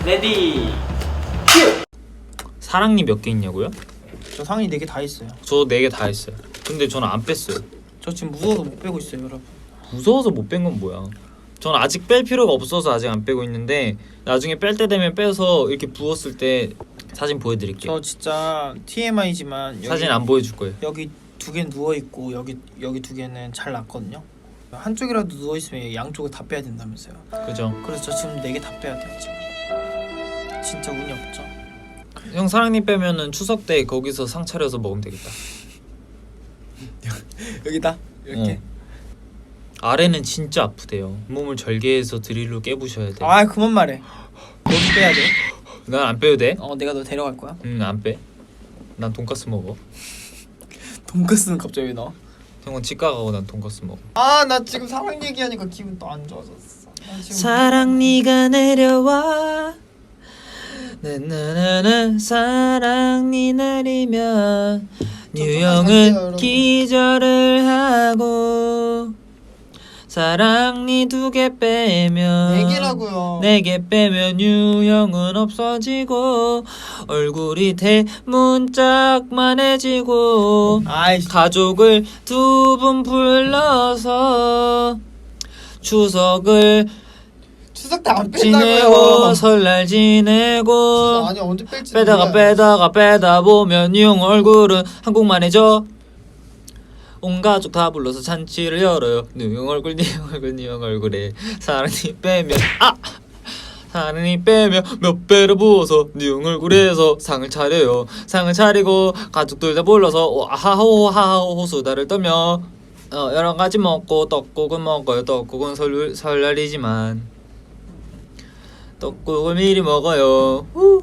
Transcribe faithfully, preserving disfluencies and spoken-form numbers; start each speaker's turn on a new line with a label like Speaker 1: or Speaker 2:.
Speaker 1: 레디 큐!
Speaker 2: 사랑니 몇 개 있냐고요?
Speaker 3: 저 상의 네 개 다 있어요.
Speaker 2: 저 네 개 다 했어요. 근데 저는 안 뺐어요.
Speaker 3: 저 지금 무서워서 못 빼고 있어요, 여러분.
Speaker 2: 무서워서 못 뺀 건 뭐야? 전 아직 뺄 필요가 없어서 아직 안 빼고 있는데 나중에 뺄 때 되면 빼서 이렇게 부었을 때 사진 보여드릴게요.
Speaker 3: 저 진짜 티엠아이지만 여기,
Speaker 2: 사진 안 보여줄 거예요.
Speaker 3: 여기 두 개 누워 있고 여기 여기 두 개는 잘 났거든요. 한쪽이라도 누워 있으면 양쪽을 다 빼야 된다면서요.
Speaker 2: 그죠?
Speaker 3: 그래서 저 지금 네 개 다 빼야 돼요 지금. 진짜 운이 없죠.
Speaker 2: 형 사랑니 빼면은 추석 때 거기서 상 차려서 먹으면 되겠다.
Speaker 3: 여기다 이렇게.
Speaker 2: 어. 아래는 진짜 아프대요. 몸을 절개해서 드릴로 깨부셔야 돼.
Speaker 3: 아 그만 말해. 너도 빼야 돼.
Speaker 2: 난 안 빼도 돼?
Speaker 3: 어 내가 너 데려갈 거야.
Speaker 2: 응, 안 빼. 난 돈까스 먹어.
Speaker 3: 돈까스는 갑자기 왜 나와?
Speaker 2: 형은 치과 가고 난 돈까스 먹어.
Speaker 3: 아 나 지금 사랑 얘기하니까 기분 또 안 좋아졌어. 나 지금
Speaker 2: 사랑니가 내려와 나나나나 사랑니 내리면 뉴형은 기절을 하고 사랑니 두 개 빼면
Speaker 3: 네 개라고요.
Speaker 2: 네 개 빼면 유형은 없어지고 얼굴이 대문짝만해지고
Speaker 3: 아이씨.
Speaker 2: 가족을 두 분 불러서 추석을
Speaker 3: 추석 때 안
Speaker 2: 지내고
Speaker 3: 뺀다고요.
Speaker 2: 설날 지내고
Speaker 3: 아니 언제 뺄지
Speaker 2: 빼다가
Speaker 3: 몰라요.
Speaker 2: 빼다가 빼다 보면 유형 얼굴은 한국만해져. 온 가족 다 불러서 잔치를 열어요. 뉴형 얼굴 뉴형 얼굴 뉴형 얼굴에 사랑니 빼면 아! 사랑니 빼면 몇 배를 부어서 뉴형 얼굴에서 상을 차려요. 상을 차리고 가족들 다 불러서 아하호하호 수다를 떨며 어, 여러 가지 먹고 떡국은 먹어요. 떡국은 설, 설날이지만 떡국을 미리 먹어요. 후.